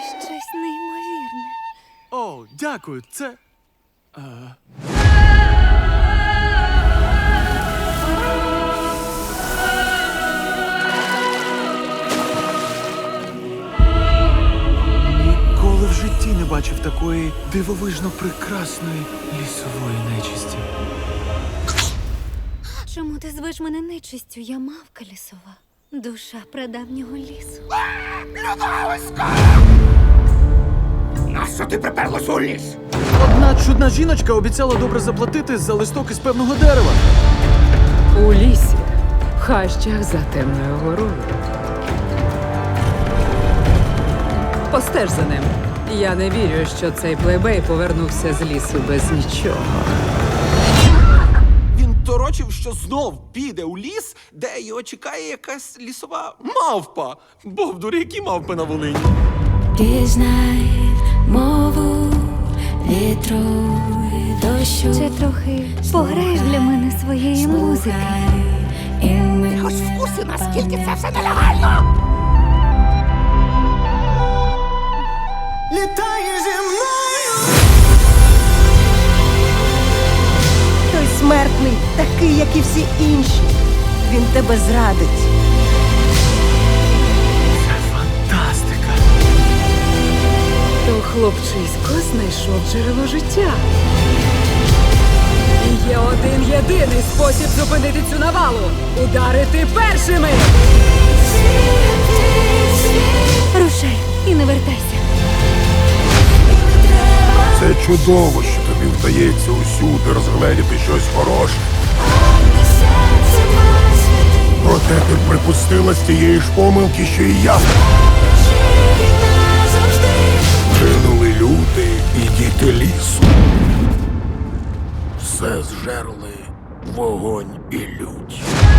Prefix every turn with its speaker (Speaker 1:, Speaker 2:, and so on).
Speaker 1: щось неймовірне.
Speaker 2: О, дякую, це. Ніколи в житті не бачив такої дивовижно прекрасної лісової нечисті.
Speaker 1: Чому ти звеш мене нечистю? Я мавка лісова. Душа прадавнього лісу.
Speaker 3: Нащо ти приперлась у ліс?
Speaker 2: Одна чудна жіночка обіцяла добре заплатити за листок із певного дерева.
Speaker 4: У лісі, в хащах за темною горою. Постеж за ним. Я не вірю, що цей плейбей повернувся з лісу без нічого.
Speaker 5: Він торочив, що знов піде у ліс, де його чекає якась лісова мавпа. Бовдури, які мавпи на Волині.
Speaker 6: Пізнай мову вітру і дощу.
Speaker 1: Чи трохи пограєш для мене своєї музики?
Speaker 6: Ти
Speaker 3: Хоч в курсі, наскільки це все нелегально?
Speaker 7: Літає зі мною.
Speaker 8: Той смертний, такий, як і всі інші. Він тебе зрадить.
Speaker 2: Фантастика!
Speaker 4: То хлопчисько знайшов джерело життя. І є один єдиний спосіб зупинити цю навалу – ударити першими!
Speaker 1: Рушай і не вертайся.
Speaker 3: Це чудово, що тобі вдається усюди розгледіти щось хороше. Проте ти припустила з тієї ж помилки, що і я. Гинули люди і діти лісу. Все зжерли вогонь і лють.